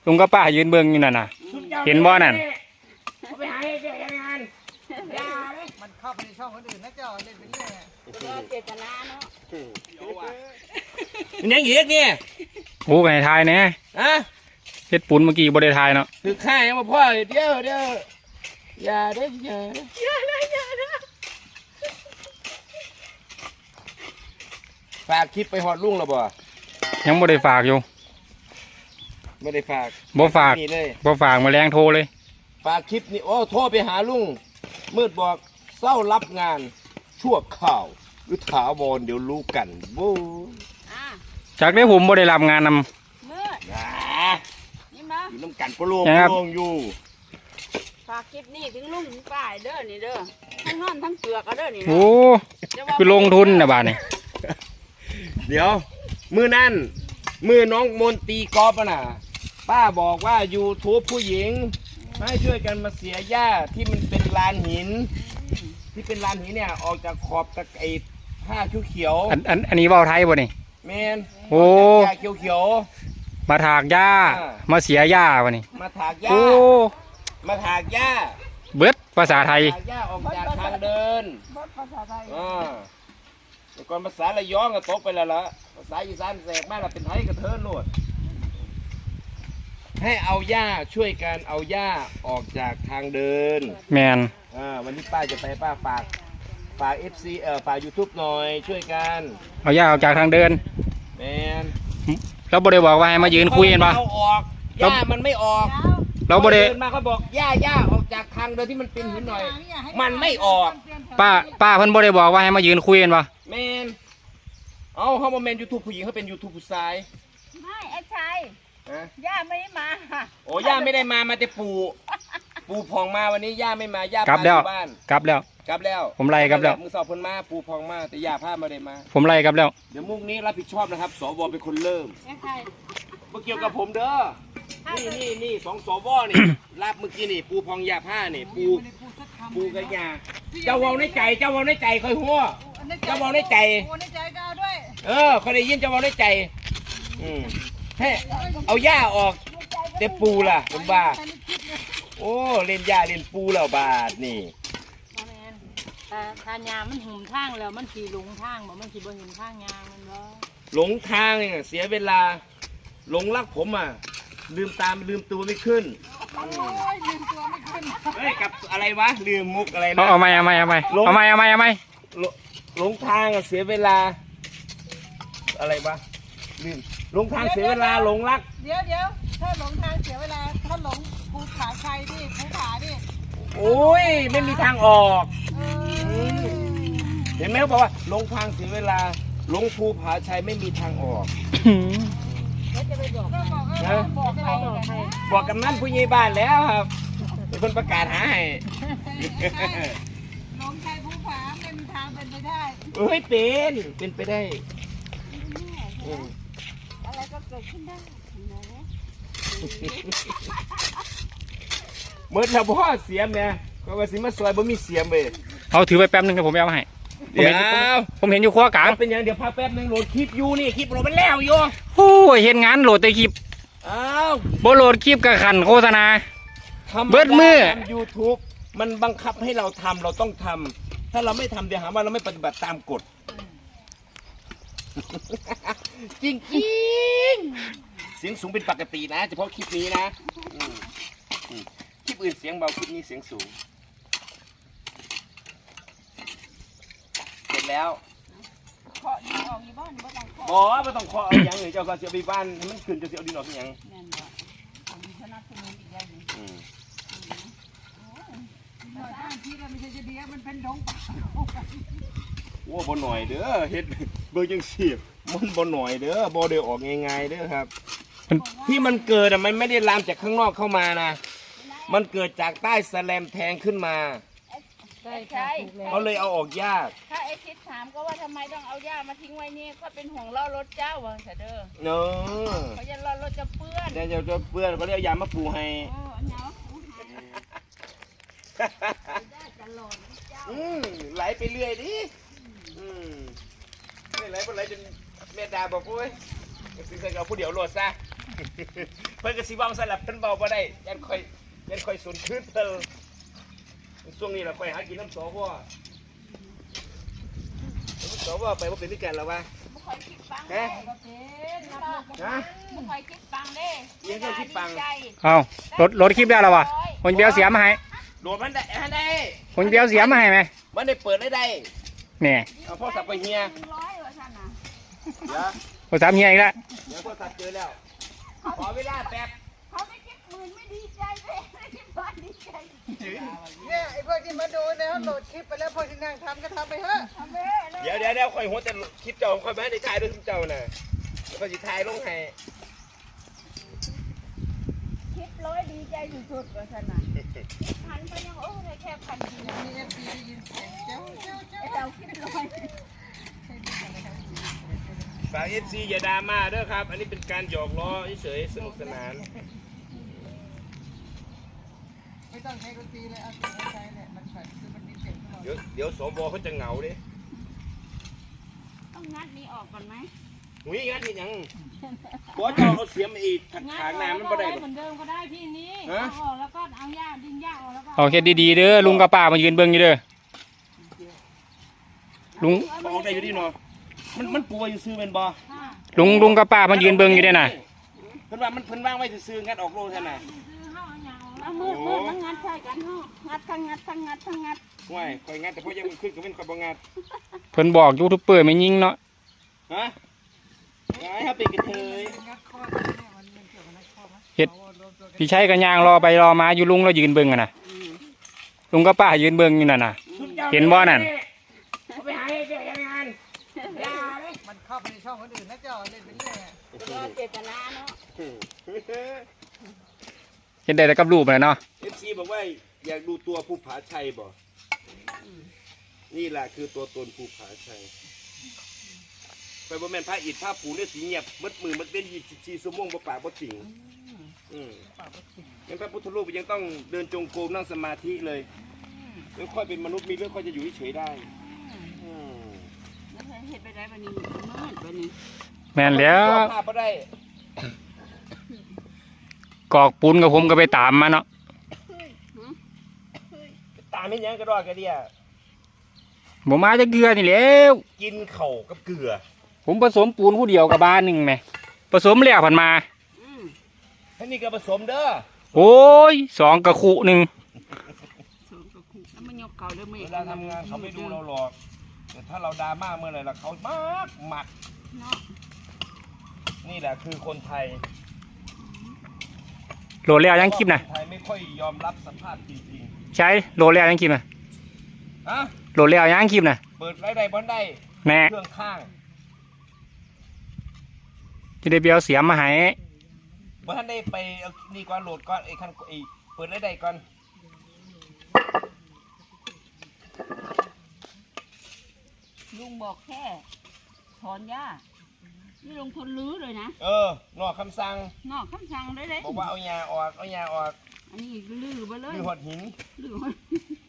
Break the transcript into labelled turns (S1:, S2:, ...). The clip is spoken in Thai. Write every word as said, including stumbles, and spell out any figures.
S1: ลุงกับป้ายืนเบิ่งอยู่นั่นน่ะเห็นบ่นั่น
S2: ไปหาให้เจอกันงาน
S3: มันเข้าไปในช่องคนอื่นนะเจ้าเล่นไปเรื่อย
S4: เจตนาเนาะ
S2: มันยังอีกเนี่ย
S1: โอ้ไปทายแน่
S2: อะ
S1: เฮ็ดปุ่นเมื่อกี้บ่ได้ทายเนาะ
S2: คือข้ายังมาพ่อเดี๋ยวเดี๋ยวอย่าได้อย่าอย่าได้อย่าได้ฝากคลิปไปหอดลุงแล้วบ่
S1: ยังบ่ได้ฝากอยู่
S2: ไม่ได้ฝาก
S1: บ่ฝาก
S2: เลย
S1: บ่ฝากมาแรงโทรเลย
S2: ฝากคลิปนี่โอ้โทรไปหาลุงมืดบอกเศร้ารับงานชั่วข่าวหรือถาวรเดี๋ยวรู้กันบู๊
S1: จากได้ผมบ่ได้รับงานนำ
S4: มืดนี่มา
S2: อยู่น้ำกันปลงปลงอยู่
S4: ฝากคลิปนี้ถึงลุงถึงป้ายเด้อนี่เด้อทั้งนอนทั้งเปลือกเด้อนี่
S1: โอ้คือลงทุนนะบ้านนี่
S2: เดี๋ยวมือนั่นมือน้องมนตีกอล์ฟน่ะป้าบอกว่ายูทูบผู้หญิงให้ช่วยกันมาเสียหญ้าที่มันเป็นลานหินที่เป็นลานหินเนี่ยออกจากขอบตะไคร้ผ้าเขียว
S1: อันอันอันนี้เว้าไทยบ่นี่
S2: แมน
S1: โอ้
S2: หญ้าเขียว
S1: ๆมาถากหญ้ามาเสียหญ้าบ่นี่
S2: มาถากหญ้ามาถากหญ้า
S1: เบิดภาษาไทย
S2: ถากหญ้าออกจากทางเดิน
S4: เบิดภาษาไทย
S2: อ่าแต่ก่อนภาษาระยองก็ตกไปแล้วล่ะภาษาอีสานแสกมากละเป็นไทยกระเทินโลดให้เอาหญ้าช่วยกันเอาหญ้าออกจากทางเดิน
S1: แมน
S2: อ่าวันนี้ป้าจะไปป้าฝากฝาก เอฟ ซี เอ่อฝาก ยูทูบ หน่อยช่วยกัน
S1: เอาหญ้าออกจากทางเดิน
S2: แมน
S1: เราบ่ได้บอกว่าให้มายืนคุยกันป่ะ
S2: เอาออกหญ้ามันไม่ออก
S1: เราบ่ได้
S2: เดินมาเขาบอกหญ้าหญ้าออกจากทางเดินที่มันเป็นหินหน่อยมันไม่ออก
S1: ป้าป้าเพิ่นบ่ได้บอกว่าให้มายืนคุยกันป่ะ
S2: แมนเอาเขาบอกแมน ยูทูบ ผู้หญิงเขาเป็น ยูทูบ ผู้ชาย
S4: ไม่ไอ้ชายย่าไม่ได้มา
S2: โอ้ย่าไม่ได้มามาแต่ปู่ปู่พองมาวันนี้ย่าไม่มาย่าก
S1: ลับแล้ว
S2: บ้าน
S1: กลับแล้ว
S2: กลับแล้ว
S1: ผมไล่กลับแล้ว
S2: มึงสอบคนมาปู่พองมาแต่ย่าพามาได้มา
S1: ผมไล่กลับแล้ว
S2: เดี๋ยวมุกนี้รับผิดชอบนะครับสวเป็นคนเริ่มไม่เกี่ยวกับผมเด้อนี่นี่นี่สองสวนี่รับเมื่อกี้นี่ปู่พองย่าผ้านี่ปู่ปู่กับย่าเจ้าเว้าในใจเจ้าเว้าในใจคอยหัวเจ้าเว้าในใจเออเขาได้ยินเจ้าเว้าในใจอืมให้เอาหญ้าออกเต็มปูล่ะผมบ้าโอ้เล่นหญ้าเล่นปูแล้วบาดนี่
S4: แต่ทานยามันหุ่มทางแล้วมันขี่หลงทางบอกมันขี่บนหินทางยามันบ่
S2: หลงทางเนี่ยเสียเวลาหลงรักผมอ่ะลืมตามลืมตัวไม่ขึ้น
S4: ลืมตัวไม่ขึ้น
S2: เฮ้ยกับอะไรวะลืมมุกอะไรนะ
S1: เอาไหมเอาไหมเอาไหมเอาไหมเอาไหมเอาไหม
S2: หลงทางอ่ะเสียเวลาอะไรวะลืมหลงทางเสียเวลาหลงรัก
S4: เดี๋ยวเดี๋ยวถ้าหลงทางเสียเวลาถ้าหลงภูผาชัยดิภูผาดิ
S2: โอ้ยไม่มีทางออกเห็นไหมเขาบอกว่าหลงทางเสียเวลาหลงภูผาชัยไม่มีทางออก
S4: แล้วจะไปบอกนะ
S2: บอกใครบอกกำนันผู้ใหญ่บ้านแล้วครับเป็นคนประกาศหาให้
S4: หลงชัยภูผาไม่มีทางเป็นไปได้
S2: เอ้ยเป็นเป็นไปได้
S4: อะไรก็เกิดขึ้นได้
S2: เมื่อถ้าพ่อเสียมเนี่ยก็ว่าสิมาซอยบ่มีเสียมเลย
S1: เอาถือไปแป๊บนึงครับผมเอาให้
S2: เดี๋ยว
S1: ผมเห็นอยู่ขั้วกลาง
S2: เป็นอย่างเดี๋ยวพาแป๊บนึงโหลดคลิปอยู่นี่คลิปโหลดมันแล้วอยู่
S1: โอ้ยเห็นงานโหลดแต่คลิป
S2: อ้าว
S1: บ่โหลดคลิปกับขันโฆษณาเบิดมือ
S2: ยูทูบมันบังคับให้เราทำเราต้องทำถ้าเราไม่ทำเดี๋ยวหาว่าเราไม่ปฏิบัติตามกฎจริงจริงเสียงสูงเป็นปกตินะเฉพาะคลิปนี้นะคลิปอื่นเสียงเบาคลิปนี้เสียงสูงเสร็จแล้ว
S4: เคาะดินออกอยู่บ้านบ่ต้องเคาะ
S2: บ่ไม่ต้องเคาะเอาอย่างอื่นเจ้าก็เสียไปบ้านมันขึ้นจะเสียดินออกอย่าง
S4: แม่นบ่ผมสนับสนุนอีกอย่างนึงอืมโอ้ยหน่อยบ้านที่เราไม่ใช่จะดีมันเป็นดงป่า
S2: โอ้บ่หน่อยเด้อเฮ็ดเบอร์จังสิมันบ่หน่อยเด้อบ่ได้ออกง่ายๆเด้อครับที่มันเกิดอ่ะมันไม่ได้ลามจากข้างนอกเข้ามานะมันเกิดจากใต้แสลมแทงขึ้นมา
S4: ใช่ใช่
S2: เขาเลยเอาออกยาก
S4: ถ้าไอ้คิดถามก็ว่าทำไมต้องเอาหญ้ามาทิ้งไว้นี่ก็เป็นห่วงล้อรถเจ้าว่าเด้อ
S2: เนาะ
S4: เขาจะล้อรถจะเปื้อน
S2: เดี๋ยวจะเปื้อนก็เลยเอายามาปูให้
S4: อ๋อเนาะ
S2: อืมไหลไปเรื่อยดิอืมไม่ไหลไปไหลจนแม่ดาบอกโอ้ยสิใส่กับผู้เดียวโหลดซะเพิ่นก็สิเว้าซั่นล่ะเพิ่นเว้าบ่ได้ยันค่อยยันค่อยสูญคืนเพิ่นช่วงนี้เราค่อยหากินน้ำสวสวไปบ่เป็นด้วยกันแล้ววะ
S5: ไม่ค่อยคิดฟัง
S2: ฮะ
S5: เด้
S2: ฮะ
S5: ไม่ค่อยคิดฟังเด้
S2: ยังค่อยคิดฟัง
S5: ดีใจ
S1: เอารถรถคลิปได้แล้ววะคนเบียวเสียมาให้
S2: โดดมันได้อันได้
S1: คนเบียวเสียมาให้ไหม
S2: มันได้เปิดได้ได้
S1: เนี่ย
S2: เอาพ่อสับไปเฮีย
S5: หนึ่งร้อยว่าฉันน่ะ
S2: เดี๋ยว
S1: โทรศัพท์เฮียอีกแล้ว
S2: เดี๋ยวพ่อสับเจอแล้วขอเวลาแป๊บ
S5: เขาไม่คิดหมื่นไม่ดีใจเลยไม่คิดบ้านดีใจ
S3: เนี่ยไอ้พวกที่มาดูเนี่ยเขาโหลดคลิปไปแล้วพวกที่นั่งทำก็ทำไปเถอะ
S5: ทำเบ้เลย
S2: เดี๋ยวเดี๋ยวเดี๋ยวค่อยหัวแต่คลิปเจ้าค่อยไปให้ได้ถ่ายด้วยคลิปเจ้าน่ะแล้วก็สิถ่ายลงให้
S5: คิดร้อยดีใจสุดๆว่าฉันน่ะพันไปยังโอ้ได้แค่พันเดียว
S3: มีเอฟซีได้ยินเสียงเจ้าเจ้าเจ้า
S5: ไอ้เราคิดร้อย
S2: ฝาก เอฟ ซี อย่าดราม่าเด้อครับ อันนี้เป็นการหยอกล้อเฉยๆสนุกสนาน
S3: ไม่ต้องใช้ดนตรีเลยเอาเสียงใจเนี่ยมันแบบคือมันมีเสียงตลอด
S2: เดี๋ยวเดี๋ยวสวเขาจะเหงาดิ
S5: ต้องงัดนี้ออกก่อนไหม
S2: หุยงั้นที่ยังบอสจะเอาเสียมอีกถัก
S6: งั้
S2: ขาง
S6: น
S2: น้ำมันบ่ได้
S6: เอา
S2: บ่
S6: เหมือนเดิมก็ได้พี่นี้
S2: ฮะ
S6: เอาออกแล้วก็เอาหญ้าดึงหญ้าออกแล้วก็
S1: เอาแค่ดีๆเด้อลุงกับป้ามายืนเบิ่งอยู่เด้อลุง
S2: ออกได้อยู่ดิเนาะมันมันปูอยู่ซื้อเป็นบ่
S6: ค่ะ
S1: ลุงลุงกับป้ามายืนเบิ่งอยู่เด้อน่ะ
S2: เพิ่นว่ามันเพิ่นวางไว้ซื้อๆงัดออกโลเท่านั้นน่ะ
S6: ซื้อเข้าเอาหญ้าออก
S5: เอามืดมืดมันงัดใช่กันเนาะงัดทั้งงัดทั้งงัดทั้งงัด
S2: ห่วยข่อยงัดแต่พอยังมันขึ้นก็เป็นข่อยบ่งัด
S1: เพิ่นบอกยูทูบเบอร์ไม่ยิงเนาะ
S2: ฮะไอ้เฮาเป็นกระเทย
S3: งัดข้อมันเนี่ยมันมันเกี่ยวกับงัดข้อไหม
S1: เฮ็ด
S3: เอารวมตัวกัน
S1: พี่ชัยกับยางรอไปรอมาอยู่ลุงแล้วยืนเบิ่งอะน่ะลุงกับป้ายืนเบิ่งอยู่นั่นน่ะ เห็นบ่นั่น
S2: เอาไปหาให้แกงานอย่าเลย
S3: มันเข้าไปในช่องคนอื่นนะเจ้าเล่นไปเรื่อยอะ
S5: ก็เจตนาเนาะ
S1: เห็นได้แต่กับรูปเลยเนาะ
S2: เอฟซีบอกว่าอยากดูตัวภูผาชัยบ่นี่แหละคือตัวตนภูผาชัยไปบ่แม่นพระอิฐพระปูเนี่ยสีเงียบมัดมือมัดเป็นยี่สิบสี่ชั่วโมงบ่ปากบ่จริงอืมงั้นพระพุทธรูปยังต้องเดินจงกรมนั่งสมาธิเลยแล้วค่อยเป็นมนุษย์มีเรื่องค่อยจะอยู่เฉยๆได้อืม
S5: แล้วเห็นไปได้วันนี้มืดวันนี้
S1: แม่นแล้ว
S2: ภาพบ่ได้
S1: กอกปูนกับผมก็ไปตามมาเนาะ
S2: ตามเห็นหยังกระดอกกระเดีย
S1: บ่มาจะเกลือนี่แหล้ว
S2: กินเข่าวกับเกลือ
S1: ผมผสมปูนผู้เดียวกับบ้านหนึงแหมผสมแล้วผ่านมา
S5: อืม
S2: ให้นี่ก็ผสมเด้อ
S1: โอ้ยสองกระคุหนึ่ง
S5: สูงกว่าคู่แล้วมันยกเก่าเด้อไม่
S2: เวลาทำงานเขาไม่ดูเราหรอกแต่ถ้าเราดราม่าเมื่อไหร่ละเขามากหมัก
S5: เนาะ
S2: นี่แหละคือคนไทย
S1: โหลดแล้วยังคลิปนะ
S2: คนไทยไม่ค่อยยอมรับสภาพจริง
S1: ใช้โหลดแล้วยังคลิปนะ
S2: ๆฮะ
S1: โหลดแล้วยังคลิปนะ
S2: เปิดไรได้บอนได้
S1: แน่
S2: เครื่องข้าง
S1: ที่ได้เบียวเสียมมาให้
S2: เมื่อท่านได้ไปเอานี่ก่อนโหลดก่อนไอ้คันไอ้เปิดไรได้ก่อน
S5: ลุงบอกแค่ถอนหญ้านี่ลงทุนรื้อเลยนะ
S2: เออนอกคำสั่ง
S5: นอกคำสั่งเลยเลย
S2: บอกว่าเอายาออกเอายาออก
S5: อันนี้ลื้อไปเลย
S2: คือหดหิน
S5: ลื้อ